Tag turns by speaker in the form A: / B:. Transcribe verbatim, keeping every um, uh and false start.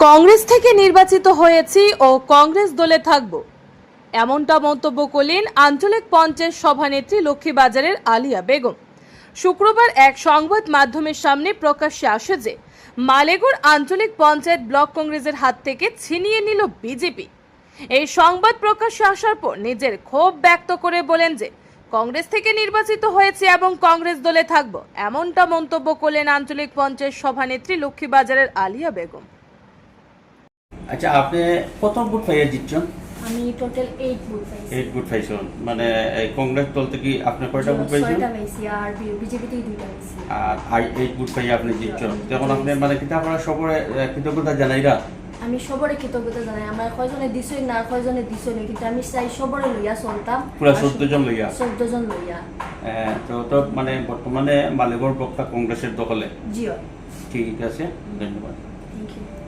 A: কংগ্রেস থেকে নির্বাচিত হয়েছি ও কংগ্রেস দলে থাকব, এমনটা মন্তব্য করলেন আঞ্চলিক পঞ্চায়েত সভানেত্রী লক্ষ্মীবাজারের আলিয়া বেগম। শুক্রবার এক সংবাদ মাধ্যমের সামনে প্রকাশ্যে আসে যে মালেগুড় আঞ্চলিক পঞ্চায়েত ব্লক কংগ্রেসের হাত থেকে ছিনিয়ে নিল বিজেপি। এই সংবাদ প্রকাশ্যে আসার পর নিজের ক্ষোভ ব্যক্ত করে বলেন যে কংগ্রেস থেকে নির্বাচিত হয়েছে এবং কংগ্রেস দলে থাকব, এমনটা মন্তব্য করলেন আঞ্চলিক পঞ্চায়েত সভানেত্রী লক্ষ্মীবাজারের আলিয়া বেগম।
B: আচ্ছা, আপনি কত ভোট পাইয়া জিতছেন?
C: আমি টোটাল আট ভোট পাইছি।
B: আট ভোট পাইছেন, মানে এই কংগ্রেস দল থেকে আপনি কয়টা ভোট পাইছেন?
C: ছয়টা পাইছি আর বিজেপি থেকে দুইটা পাইছি।
B: আর আই আট ভোট পাইয়া আপনি জিতছেন। তখন আপনি মানে কিতা আপনারা সবরে কৃতজ্ঞতা জানাইরা?
C: আমি সবরে কৃতজ্ঞতা জানাই। আমার কয়জনে দিছই না কয়জনে দিছই না, কিন্তু আমি চাই সবরে লইয়া চলতাম,
B: পুরা চৌদ্দ জন লইয়া।
C: চৌদ্দ জন লইয়া।
B: আহ, তো তো মানে বর্তমানে মালেগড় ব্লকটা কংগ্রেসের দখলে।
C: জিও,
B: ঠিক আছে, ধন্যবাদ।
C: Thank you.